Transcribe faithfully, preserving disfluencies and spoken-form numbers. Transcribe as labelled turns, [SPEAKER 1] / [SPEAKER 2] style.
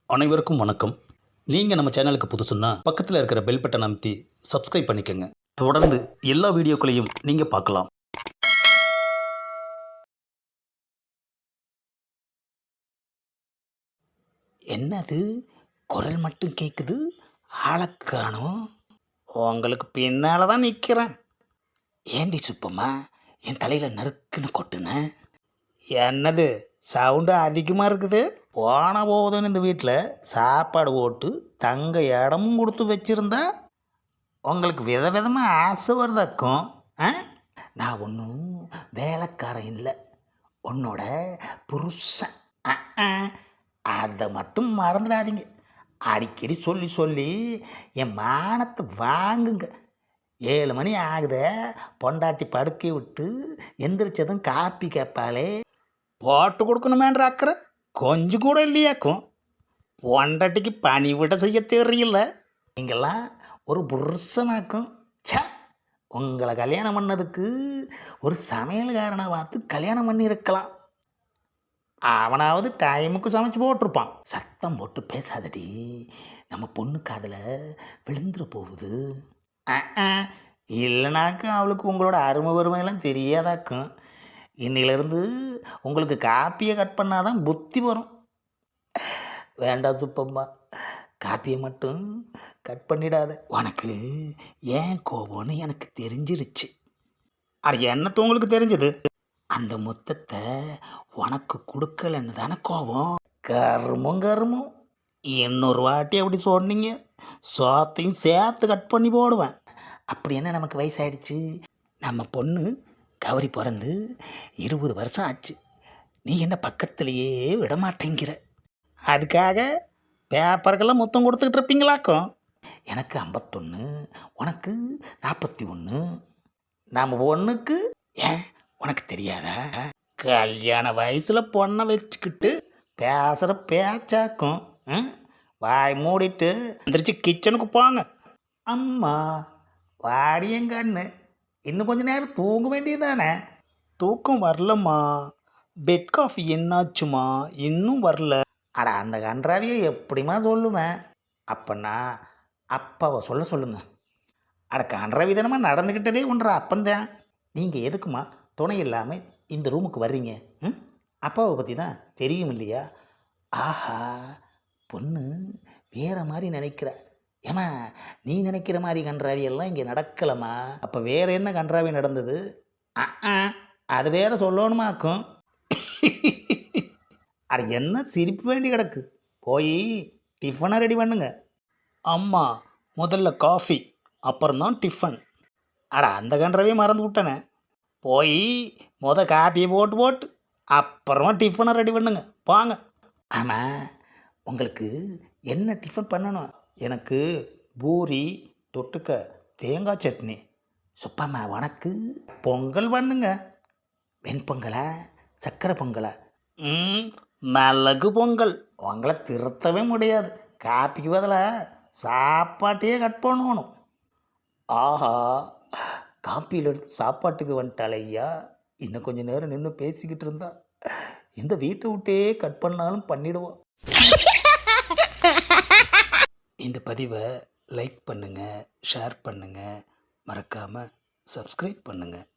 [SPEAKER 1] அனைவருக்கும் வணக்கம். நீங்கள் நம்ம சேனலுக்கு புதுசுன்னா பக்கத்தில் இருக்கிற பெல் பட்டனை அமைத்தி சப்ஸ்கிரைப் பண்ணிக்கோங்க. தொடர்ந்து எல்லா வீடியோக்களையும் நீங்கள் பார்க்கலாம். என்னது குரல் மட்டும் கேட்குது, ஆளக்கானோம். உங்களுக்கு பின்னால் தான் நிற்கிறேன். ஏண்டி சுப்பம்மா என் தலையில் நறுக்குன்னு கொட்டுன? என்னது சவுண்டு அதிகமாக இருக்குது? போன போதுன்னு இந்த வீட்டில் சாப்பாடு போட்டு தங்க இடமும் கொடுத்து வச்சுருந்தா உங்களுக்கு வித விதமாக ஆசை வருதாக்கும். ஆ நான் ஒன்றும் வேலைக்காரன் இல்லை, உன்னோட புருஷன். அதை மட்டும் மறந்துடாதீங்க. அடிக்கடி சொல்லி சொல்லி என் மானத்தை வாங்குங்க. ஏழு மணி ஆகுத, பொண்டாட்டி படுக்கை விட்டு எந்திரிச்சதும் காப்பி கேட்பாளே, போட்டு கொடுக்கணுமேன்ற அக்கறை கொஞ்சம் கூட இல்லையாக்கும். பொண்டாட்டிக்கு பணி விட செய்ய தெரியல. நீங்கள்லாம் ஒரு புருஷனாக்கும். சே, உங்களை கல்யாணம் பண்ணதுக்கு ஒரு சமையல்காரனை பார்த்து கல்யாணம் பண்ணியிருக்கலாம். அவனாவது டைமுக்கு சமைச்சு போட்டிருப்பான். சத்தம் போட்டு பேசாதடி, நம்ம பொண்ணு காதில் விழுந்துட போகுது. இல்லைனாக்கும் அவளுக்கு உங்களோட அருமை வறுமையெல்லாம் தெரியாதாக்கும். இன்னிலிருந்து உங்களுக்கு காப்பியை கட் பண்ணாதான் புத்தி வரும். வேண்டாம் சுப்பம்மா, காப்பியை மட்டும் கட் பண்ணிடாத. உனக்கு ஏன் கோபம்னு எனக்கு தெரிஞ்சிருச்சு. அது என்னத்து உங்களுக்கு தெரிஞ்சது? அந்த மொத்தத்தை உனக்கு கொடுக்கலன்னு தானே கோபம். கருமும் கருமும். இன்னொரு வாட்டி அப்படி சொன்னீங்க, சோத்தையும் சேர்த்து கட் பண்ணி போடுவேன். அப்படி என்ன நமக்கு வயசாயிடுச்சு? நம்ம பொண்ணு கௌரி பிறந்து இருபது வருஷம் ஆச்சு. நீ என்ன பக்கத்துலேயே விடமாட்டேங்கிற. அதுக்காக பேப்பருக்கெல்லாம் மொத்தம் கொடுத்துக்கிட்டு இருப்பீங்களாக்கும். எனக்கு ஐம்பத்தொன்று, உனக்கு நாற்பத்தி ஒன்று. நம்ம பொண்ணுக்கு ஏன் உனக்கு தெரியாதா? கல்யாண வயசில் பொண்ணை வச்சுக்கிட்டு பேசுகிற பேச்சாக்கும். வாய் மூடிட்டு எந்திரிச்சு கிச்சனுக்கு போங்க. அம்மா வாடியங்கண்ணு, இன்னும் கொஞ்ச நேரம் தூங்க வேண்டியதானே? தூக்கம் வரலம்மா. பெட் காஃபி என்னாச்சுமா? இன்னும் வரல. அட, அந்த கன்றாவியை எப்படிமா சொல்லுவேன்? அப்பன்னா அப்பாவை சொல்ல சொல்லுங்க. அட, கன்றாவி தானம்மா நடந்துக்கிட்டதே ஒன்றா அப்பந்தான். நீங்கள் எதுக்குமா துணை இல்லாமல் இந்த ரூமுக்கு வர்றீங்க? ம் அப்பாவை பற்றி தான் தெரியும் இல்லையா? ஆஹா, பொண்ணு வேறு மாதிரி நினைக்கிற. ஏமா, நீ நினைக்கிற மாதிரி கன்றாவி எல்லாம் இங்கே நடக்கலம்மா. அப்போ வேறு என்ன கன்றாவி நடந்தது? ஆ அது வேற சொல்லணுமாக்கும். அட, என்ன சிரிப்பு வேண்டி கிடக்கு? போய் டிஃபனை ரெடி பண்ணுங்க. அம்மா முதல்ல காஃபி, அப்புறம்தான் டிஃபன். அட, அந்த கன்றாவே மறந்து விட்டனே. போய் முத காப்பியை போட்டு போட்டு அப்புறமா டிஃபனை ரெடி பண்ணுங்க, வாங்க. ஆமாம், உங்களுக்கு என்ன டிஃபன் பண்ணணும்? எனக்கு பூரி தொட்டுக்க தேங்காய் சட்னி. சுப்பம்மா உனக்கு பொங்கல் பண்ணுங்க. வெண்பொங்கலா சக்கரை பொங்கலா? ம் மிளகு பொங்கல். உங்களை திருத்தவே முடியாது. காப்பிக்கு பதிலாக சாப்பாட்டையே கட் பண்ணணும். ஆஹா, காப்பியில் எடுத்து சாப்பாட்டுக்கு வந்துட்டாலே ஐயா. இன்னும் கொஞ்சம் நேரம் நின்று பேசிக்கிட்டு இருந்தா இந்த வீட்டை விட்டே கட் பண்ணாலும் பண்ணிடுவோம். இந்த பதிவை லைக் பண்ணுங்கள், ஷேர் பண்ணுங்கள், மறக்காமல் சப்ஸ்கிரைப் பண்ணுங்கள்.